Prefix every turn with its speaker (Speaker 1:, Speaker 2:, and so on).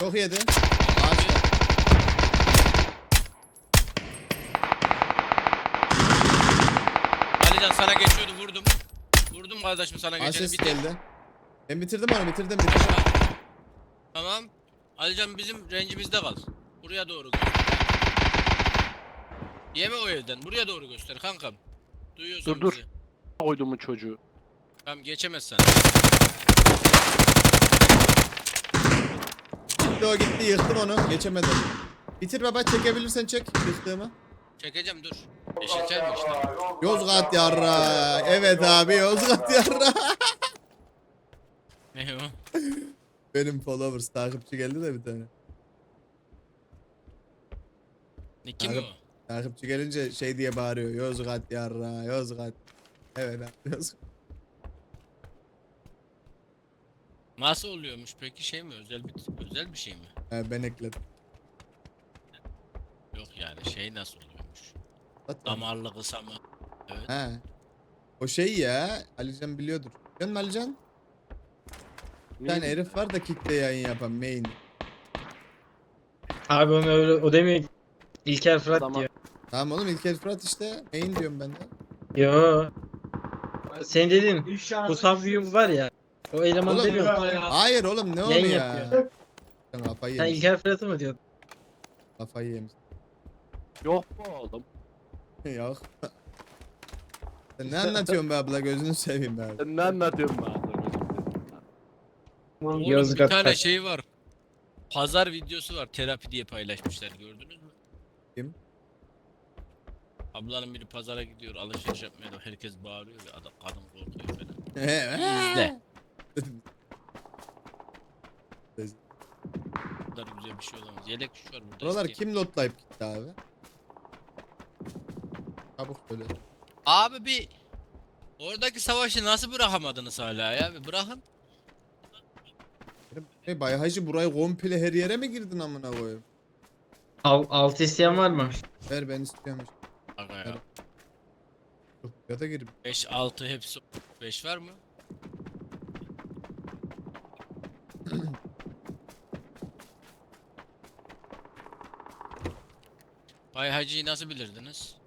Speaker 1: Çok yedi. Ağaçta.
Speaker 2: Alican sana geçiyordu, vurdum. Vurdum kardeşim sana geçeni.
Speaker 1: Asist
Speaker 2: Bitir.
Speaker 1: geldi. Ben bitirdim onu bitirdim.
Speaker 2: Tamam. Alican bizim rencimizde kal. Buraya doğru göster. Yeme o evden. Buraya doğru göster kankam. Duyuyorsun
Speaker 3: Dur.
Speaker 2: bizi.
Speaker 3: Koydumun çocuğu.
Speaker 2: Tamam geçemezsen.
Speaker 1: Gitti o gitti yıktım onu. Geçemedim. Bitir baba çekebilirsen çek yıktığımı.
Speaker 2: Çekeceğim dur. Eşitler mi işte?
Speaker 1: Yozgat yarra. Evet abi Yozgat yarra.
Speaker 2: Ne o?
Speaker 1: Benim followers takipçi geldi de bir tane.
Speaker 2: Ne kim o?
Speaker 1: Takipçi gelince şey diye bağırıyor. Yozgat yarra Yozgat. Evet abi Yozgat.
Speaker 2: Nasıl oluyormuş peki, şey mi, özel bir şey mi?
Speaker 1: Ben ekledim.
Speaker 2: Yok yani şey nasıl oluyormuş?
Speaker 1: Zaten.
Speaker 2: Damarlı kısa mı? Evet.
Speaker 1: He. O şey ya Alican biliyordur. Biliyor musun Alican? Bir tane herif var da kickte yayın yapan main.
Speaker 4: Abi onu öyle o demiyor. İlker Fırat
Speaker 3: Tamam.
Speaker 4: diyor.
Speaker 1: Tamam oğlum İlker Fırat işte main diyorum ben de.
Speaker 4: Yo. Sen dedin bu Savyum var ya. O eleman
Speaker 1: Oğlum,
Speaker 4: demiyor.
Speaker 1: Hayır oğlum ne onu
Speaker 4: Yayın
Speaker 1: ya?
Speaker 4: yapıyor.
Speaker 1: Sen kafayı
Speaker 4: Sen
Speaker 1: yemiş.
Speaker 4: İlker Fırat'ı mı diyordun?
Speaker 1: Kafayı yemiş.
Speaker 3: Yok mu oğlum?
Speaker 1: Yok. Sen ne anlatıyorsun be abla gözünü seveyim be abi.
Speaker 3: Sen ne anlatıyorsun bana?
Speaker 2: Oğlum bir
Speaker 4: Yozgat'ta.
Speaker 2: tane şey var. Pazar videosu var, terapi diye paylaşmışlar, gördünüz mü?
Speaker 1: Kim?
Speaker 2: Ablanın biri pazara gidiyor, alışveriş yapmaya da herkes bağırıyor ve adam, kadın korkuyor falan. İzle. Bu kadar güzel bir şey olamaz. Yelek şu var burada.
Speaker 1: Buralar
Speaker 2: eski.
Speaker 1: kim lotlayıp gitti abi? Çabuk söyle.
Speaker 2: Abi bir oradaki savaşı nasıl bırakamadınız hala ya? Bir bırakın.
Speaker 1: Hey Bay Hacı burayı komple her yere mi girdin amına koyayım?
Speaker 4: Altı isteyen var mı?
Speaker 1: Ver ben istiyorum.
Speaker 2: Aga ya.
Speaker 1: Evet. Çok ya da girip.
Speaker 2: 5 6 hepsi 5 var mı? Bay Hacı'yı nasıl bilirdiniz?